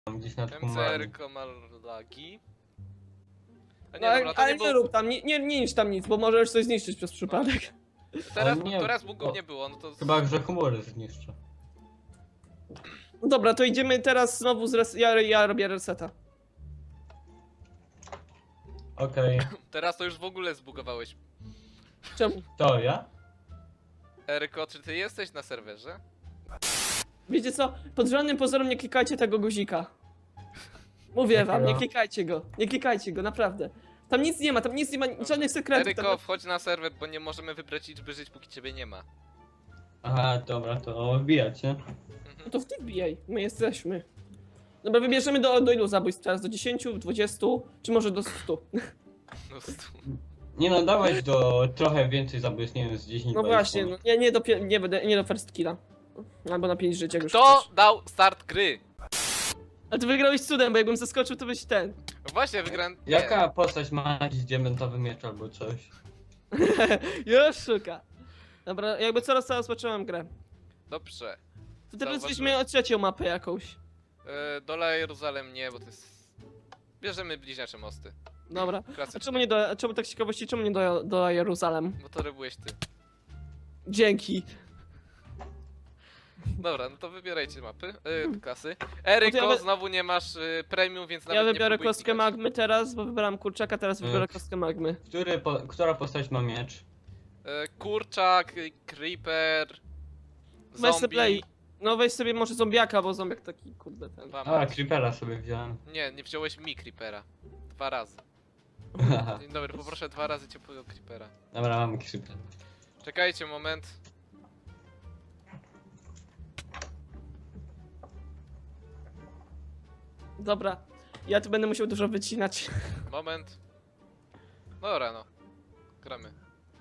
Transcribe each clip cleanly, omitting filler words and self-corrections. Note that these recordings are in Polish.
gdzieś nad Humanem. MCR-ko ma lagi. A No, nie, dobra, to ale nie nie było... rób tam, nie niszcz tam nic, bo możesz coś zniszczyć przez przypadek. Teraz, Ale nie, teraz bugów o. nie było, no to... Chyba, że humory zniszczę. No dobra, to idziemy teraz znowu ja robię reseta. Okej. Teraz to już w ogóle zbugowałeś. Czemu? To ja? Eryko, czy ty jesteś na serwerze? Wiecie co? Pod żadnym pozorem nie klikajcie tego guzika. Mówię wam, nie Jakiego? klikajcie go. Nie klikajcie go, naprawdę. Tam nic nie ma, żadnych sekretów. Eryko, Tam... wchodź na serwer, bo nie możemy wybrać liczby żyć, póki ciebie nie ma. Aha, dobra, to wbijacie. No to w tych bijaj, my jesteśmy. Dobra, wybierzemy do ilu zabójstw teraz? Do 10, 20, czy może do 100? No, Nie no, dawać do trochę więcej zabójstw, nie wiem, z 10 No 20. właśnie, no, nie do first killa. Albo na 5 żyć, jak już Kto chcesz. dał start gry? Ale ty wygrałeś cudem, bo jakbym zaskoczył, to byś ten. No właśnie, wygrałem... nie. Jaka postać ma jakiś diamentowy miecz albo coś? Już szuka. Dobra, jakby coraz zobaczyłem grę. Dobrze. To teraz Zauważyłem. weźmy o trzecią mapę jakąś. Dola Jeruzalem nie, bo to jest... Bierzemy bliźniacze mosty. Dobra. A Klasycznie. czemu nie czemu tak z ciekawości, czemu nie do Jeruzalem? Bo to robiłeś ty. Dzięki. Dobra, no to wybierajcie mapy, klasy. Eryko, No to ja znowu nie masz premium, więc nawet Ja nie wybiorę próbuj kostkę klikać. magmy teraz, bo wybrałem kurczaka, teraz wybiorę Mm. kostkę magmy. Która postać ma miecz? Kurczak, creeper, Weź sobie play. zombie. No weź sobie może zombiaka, bo zombiak taki kurde ten. Dwa A, masz. creepera sobie wziąłem. Nie, nie wziąłeś mi creepera. 2 razy. Dzień dobry, poproszę 2 razy ciepłego creepera. Dobra, mamy creeper. Czekajcie moment. Dobra. Ja tu będę musiał dużo wycinać. Moment. Dobra no. Gramy.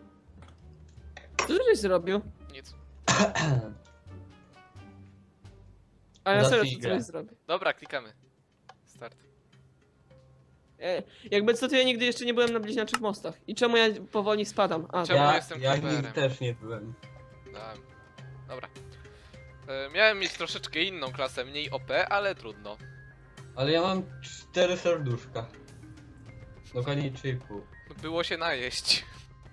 Co żeś zrobił? Nic. A ja serio Zacznij co grę. coś zrobię. Dobra, klikamy. Start. Jakby co, to ja nigdy jeszcze nie byłem na bliźniaczych mostach. I czemu ja powoli spadam? A, Czemu Ja jestem nigdy creeperem? też nie byłem. Dałem. Dobra. Miałem mieć troszeczkę inną klasę, mniej OP, ale trudno. Ale ja mam 4 serduszka. Dokładnie 3,5. Było się najeść.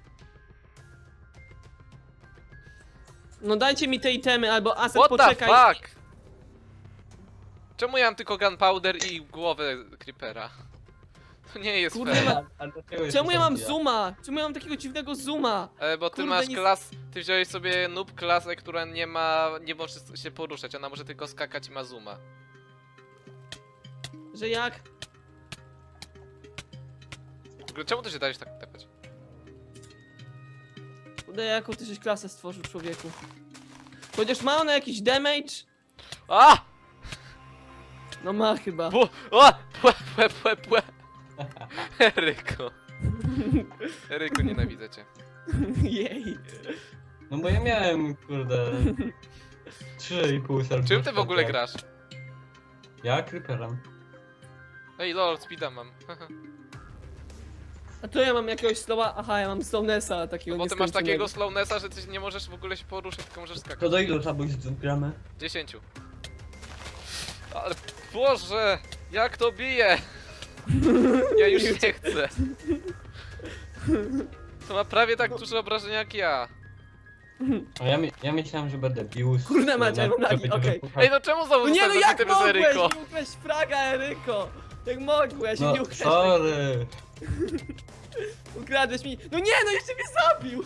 no dajcie mi te itemy, albo Asset What the poczekaj. fuck? Czemu ja mam tylko gunpowder i głowę creepera? To nie jest Kurde, fair. A dlaczego jest Czemu ja mam zombie? zooma? Czemu ja mam takiego dziwnego zooma? Bo ty Kurde, masz nic- klas... Ty wziąłeś sobie noob klasę, która nie może się poruszać, ona może tylko skakać i ma zooma. Że jak? W ogóle czemu ty się dajesz tak tepać? Kurde, jaką ty żeś klasę stworzył, człowieku? Chociaż ma ona jakiś damage? A! No ma chyba. Bu! O! Płe! Eryko. Eryko, nienawidzę cię. Jej. No bo ja miałem, kurde... 3,5 serduszka. Czym ty w ogóle tak. grasz? Ja creeperem. Ej lol, speeda mam. A tu ja mam jakiegoś slowa. Aha, ja mam slownessa takiego Bo ty masz nieskończonego. takiego slownessa, że ty nie możesz w ogóle się poruszać, tylko możesz skakać. To do ilu zabójstw gramy? 10. Ale Boże, jak to bije! Ja już nie chcę. To ma prawie tak duże obrażenia jak ja. A ja myślałem, że będę bił. Kurde mać, ja mam lagi, żeby okej. wypuchać. Ej, no czemu znowu No nie, no zostałem jak zabity bez mogłeś? Eryko? Nie ukradź fraga, Eryko! Jak mogłeś? No, Nie ukradłeś. sorry. Ukradłeś mi. No nie, no jeszcze mnie zabił!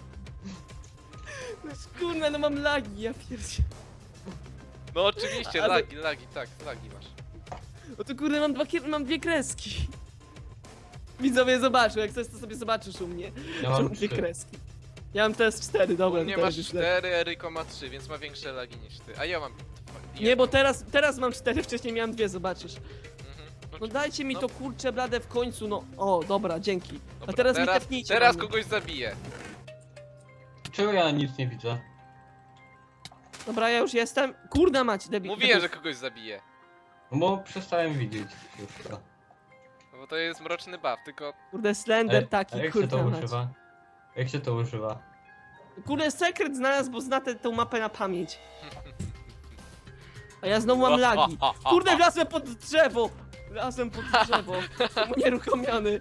No kurde, no mam lagi, ja pierdzie. No oczywiście, Ale- lagi, tak, lagi masz. No to kurde, mam dwie kreski. Widzowie zobaczą, jak chcesz to sobie zobaczysz u mnie. Ja Mam mam dwie 3. kreski. Ja mam teraz 4, dobra. U mnie teraz masz już lepiej. 4, Eryko ma 3, więc ma większe lagi niż ty. A ja mam... Nie, bo teraz mam 4, wcześniej miałem 2, zobaczysz. Mhm. No dajcie mi No. to kurcze blade w końcu, no. O, dobra, dzięki. A Dobra, teraz mi tepnijcie. Teraz na mnie. kogoś zabiję. Czego ja nic nie widzę? Dobra, ja już jestem. Kurde mać, debil. Mówiłem, że kogoś zabiję. No bo przestałem widzieć wszystko. No bo to jest mroczny buff, tylko... Kurde, slender A taki, jak się to kurde mać. używa? Jak się to używa? Kurde, sekret znalazł, bo zna tę mapę na pamięć. A ja znowu mam lagi. Kurde, wlazłem pod drzewo! Wlazłem pod drzewo. Jestem unieruchomiony.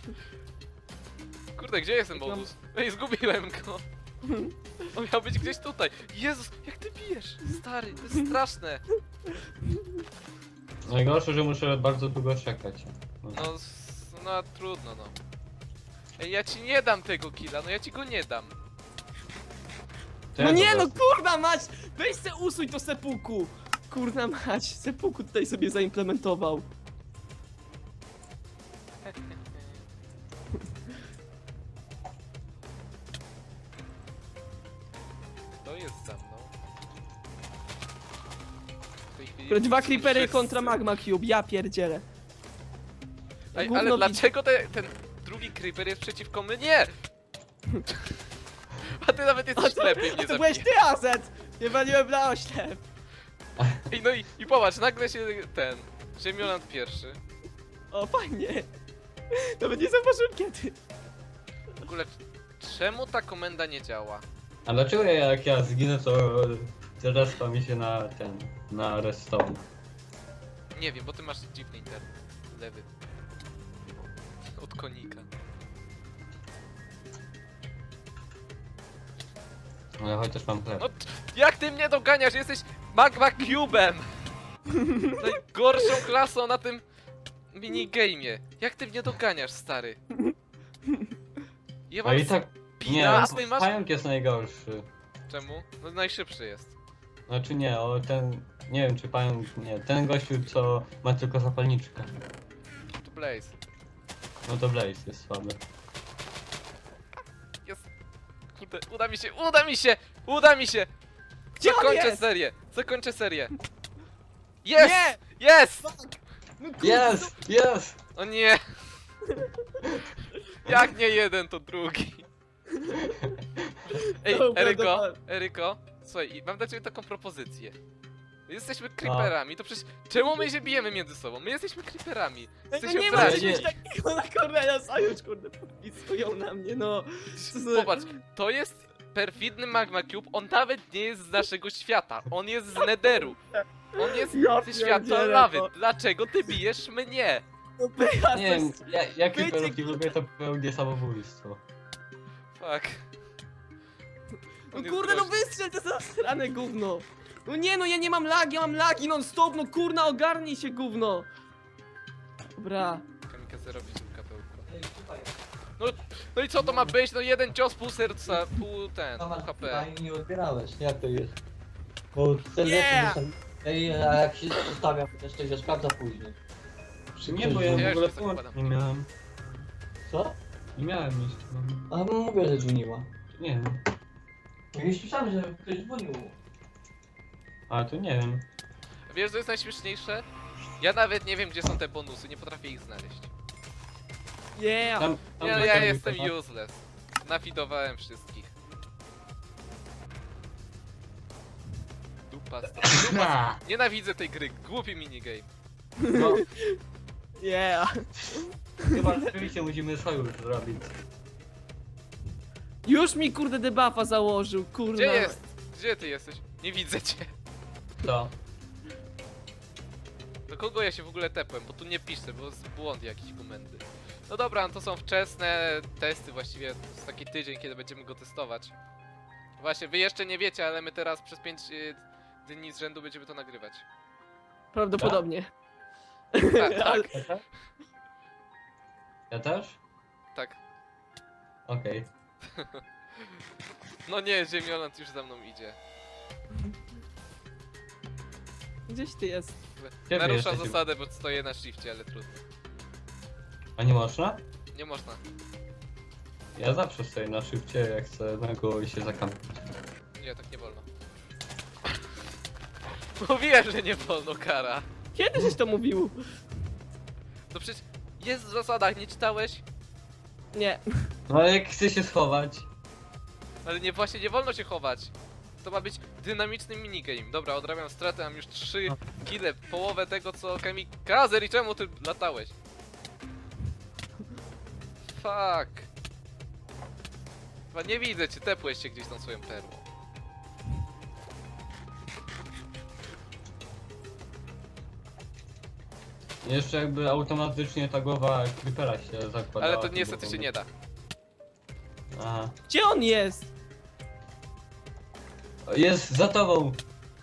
Kurde, gdzie jest ten bonus? Ej, zgubiłem go. On miał być gdzieś tutaj. Jezus, jak ty bijesz? Stary, to jest straszne. Najgorsze, że muszę bardzo długo czekać. No trudno no. Ej, ja ci nie dam tego killa, no ja ci go nie dam. To No ja nie po no, prostu- kurna mać! Weź se usuń to sepuku! Kurna mać, sepuku tutaj sobie zaimplementował. To jest za mną. W tej chwili Które 2 są creepery wszyscy. kontra magma cube, ja pierdzielę. Ej, Gówno ale widzi- dlaczego ten drugi creeper jest przeciwko mnie? Nie! A ty nawet jesteś lepiej mnie To byłeś zabijesz. ty, Azet! Nie waliłem na oślep. Ej, no i popatrz, nagle się Ziemioland pierwszy. O, fajnie. Nawet nie zauważyłem kiedy. W ogóle, czemu ta komenda nie działa? A dlaczego jak ja zginę, to respa mi się na redstone? Nie wiem, bo ty masz dziwny internet. Lewy. Od konika. No ja chociaż mam chleb. No, jak ty mnie doganiasz? Jesteś Magma Cube'em! Najgorszą klasą na tym minigame'ie. Jak ty mnie doganiasz, stary? Ja A mam i tak... Nie, spina, a ty masz... pająk jest najgorszy. Czemu? No najszybszy jest. Znaczy nie, o ten... Nie wiem czy pająk... Nie, ten gościu co ma tylko zapalniczkę. To Blaze. No to Blaze jest słaby. Jest. Kurde, uda mi się, uda mi się! Uda mi się! Gdzie on Zakończę jest? serię! Zakończę serię! Jest! Nie! Jest! No kurde, Jest! Jest! O nie! Jak nie jeden, to drugi. Ej, Dobra, Eryko, dobra. Eryko, słuchaj, mam dla ciebie taką propozycję. Jesteśmy creeperami, to przecież czemu my się bijemy między sobą? My jesteśmy creeperami. No Jesteśmy nie ma braci. czegoś takiego na Cornelia Sojusz, kurde, podpisują na mnie, no. Co za- Popatrz, to jest perfidny Magma Cube, on nawet nie jest z naszego świata, on jest z Netheru. On jest Ja ze świata pierdzielę, lawy. to- Dlaczego ty bijesz mnie? No pycha, Nie wiem, jakie Wycie- peruki lubię, to pełnie samobójstwo. Fuck. No On jest kurde, no groźny. wystrzel te zasrane gówno. No nie no, ja nie mam lagi, ja mam lagi non stop, no kurna, ogarnij się gówno. Dobra. Kamikaze robi tym kapełko. No i co to ma być? No jeden cios, pół serca, pół HP. Nie odbierałeś, jak to jest? Bo ten Yeah! Ej, a jak się zostawia, chociaż to się sprawdza później. Nie, bo ja Ja w już ogóle nie połącz zakładam. nie miałem. Co? Nie miałem nic. No. A mówię, że dzwoniła. Nie wiem. Ja słyszałem, że ktoś dzwonił. Ale to nie wiem. Wiesz co jest najśmieszniejsze? Ja nawet nie wiem gdzie są te bonusy, nie potrafię ich znaleźć. Yeah. Tam Ja zaczęli jestem chyba. useless. Nafidowałem wszystkich. Dupa, dupa. Nienawidzę tej gry, głupi minigame. No, Yeah. chyba rzeczywiście musimy sojusz zrobić. Już mi kurde debuffa założył, kurna. Gdzie jest? Gdzie ty jesteś? Nie widzę cię. Co? Do kogo ja się w ogóle tepłem? Bo tu nie piszę, bo jest błąd jakiś komendy. No dobra, no to są wczesne testy właściwie. To jest taki tydzień, kiedy będziemy go testować. Właśnie, wy jeszcze nie wiecie, ale my teraz przez 5 dni z rzędu będziemy to nagrywać. Prawdopodobnie. Tak, tak, Ja też? Ja też? tak. Okej. No nie, Ziemioland już za mną idzie. Gdzieś ty jest. Gdzie wy Narusza jesteście? zasadę, bo stoję na shifcie, ale trudno. A nie można? Nie można. Ja zawsze stoję na szybcie, jak chcę na go się zakampić. Nie, tak nie wolno. Mówiłem, że nie wolno, kara. Kiedy żeś to mówił? No przecież jest w zasadach, nie czytałeś? Nie. No ale jak chcę się schować? Ale nie, właśnie nie wolno się chować. To ma być dynamiczny minigame. Dobra, odrabiam stratę, mam już 3 kile, połowę tego co Kamikazer i czemu ty latałeś? Fuck. Chyba nie widzę cię, tepłeś się gdzieś tą swoją perłą. Jeszcze jakby automatycznie ta głowa creepera się zakładała. Ale to niestety się nie da. Aha. Gdzie on jest? Jest za tobą!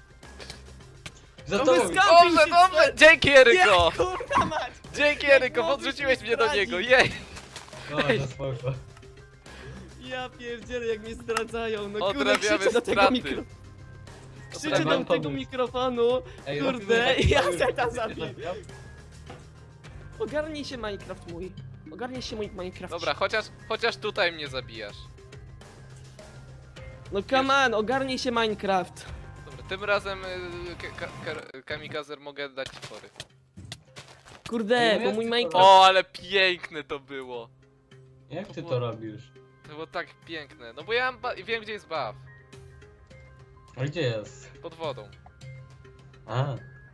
Za No tobą! wyska- Kampił Dobrze, się, dobrze! Dzięki, Eryko! Nie, kurwa mać! Dzięki, Jak Eryko, mogłeś podrzuciłeś mnie mnie do zdradzić? niego, jej! No, to spoko. Ja pierdzielę, jak mnie zdradzają, no kurde, Odrabiamy krzyczę do tego straty. mikro... Krzyczę Odrabiam do tego pomysł. mikrofonu, Ej, kurde, robimy ja taki zeta pomysł. zabiję. Ogarnij się Minecraft mój. Ogarnij się mój Minecraft. Dobra, chociaż tutaj mnie zabijasz. No come on, ogarnij się Minecraft. Dobra, tym razem Kamikazer mogę dać ci fory. Kurde, Nie bo mój wiem, Minecraft... O, ale piękne to było. Jak ty to robisz? To było tak piękne. No bo ja wiem gdzie jest buff. A gdzie jest? Pod wodą. A.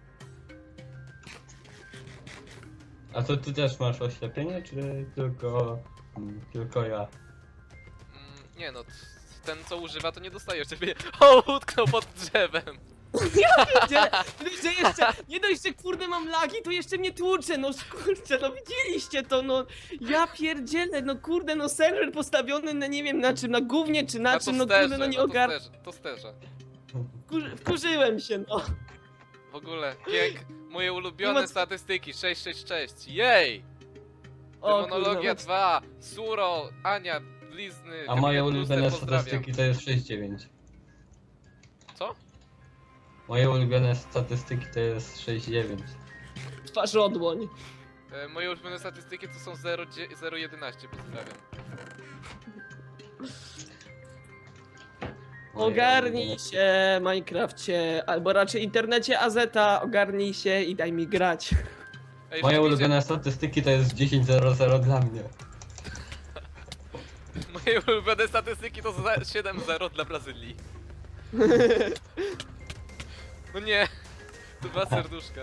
A to ty też masz oślepienie, czy tylko... tylko ja? Nie no, ten co używa to nie dostaje ciebie. O, utknął pod drzewem. Pierdzielę, nie dość, że kurde mam lagi, to jeszcze mnie tłucze, no kurczę, no widzieliście to, no ja pierdzielę, no kurde, no serwer postawiony na nie wiem na czym, na gównie czy na czym, no kurde, no nie ogarnę, to sterze. wkurzyłem się, no. W ogóle, moje Nie ulubione ma- statystyki, 666, jej! O Demonologia kurde, 2, Suro, Ania, Blizny, A moje Kapitan ulubione Booster, pozdrawiam. statystyki to jest 6,9. Co? Moje ulubione statystyki to jest 6,9. twarz odłoń. Moje ulubione statystyki to są 0,11, pozdrawiam. Moje Ogarnij ulubione- się, Minecrafcie, albo raczej internecie Azeta, ogarnij się i daj mi grać. Ej, Moje rzeczywiście, ulubione statystyki to jest 10,00 dla mnie. moje ulubione statystyki to 7-0 dla Brazylii. No nie, to 2 serduszka.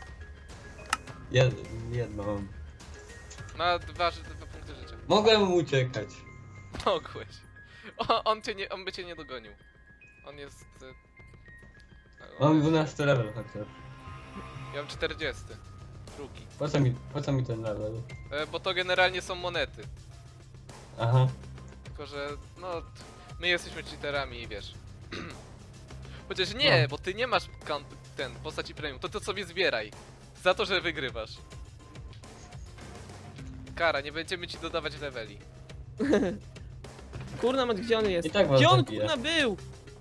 Jedno mam. Ma 2 punkty życia. Mogłem uciekać. Mogłeś. On by cię nie dogonił. On jest... Mam 12 level chociaż. Ja mam 40. Drugi. Po co mi ten level? Bo to generalnie są monety. Aha. Tylko, że no... My jesteśmy cheaterami i wiesz. Chociaż nie, No. bo ty nie masz postaci premium. To sobie zbieraj. Za to, że wygrywasz. Kara, nie będziemy ci dodawać leveli. Kurna, mat, gdzie on jest? I tak was Gdzie on zabiję. kurna był?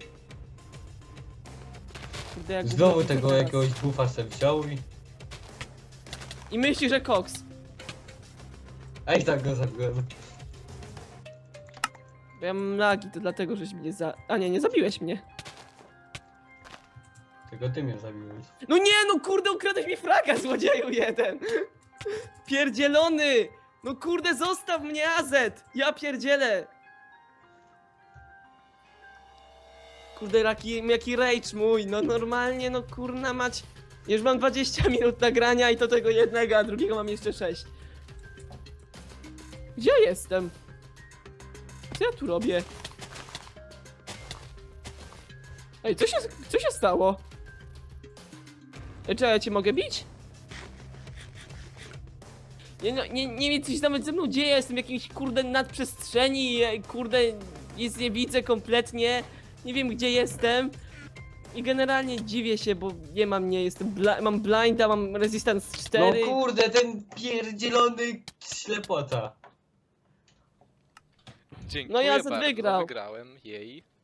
Kurde, jak Znowu gówno tego teraz. jakiegoś buffa se wziął I myśli, że koks. A i tak go zabiłem. Bo ja mam lagi, to dlatego, żeś mnie A nie zabiłeś mnie. Tylko ty mnie zabiłeś. No nie, no kurde, ukradłeś mi fraga, złodzieju jeden! Pierdzielony! No kurde, zostaw mnie, Azet! Ja pierdzielę! Kurde, jaki rage mój, no normalnie, no kurna mać. Już mam 20 minut nagrania i to tego jednego, a drugiego mam jeszcze 6. Gdzie ja jestem? Co ja tu robię? Ej, co się stało? Ej, czy ja cię mogę bić? Nie wiem, co się nawet ze mną dzieje, jestem w jakiejś kurde nadprzestrzeni, kurde, nic nie widzę kompletnie, nie wiem gdzie jestem. I generalnie dziwię się, bo nie mam, mam blinda, mam resistance 4. No kurde, ten pierdzielony ślepota. Dziękuję No ja bardzo, wygrał. wygrałem, jej.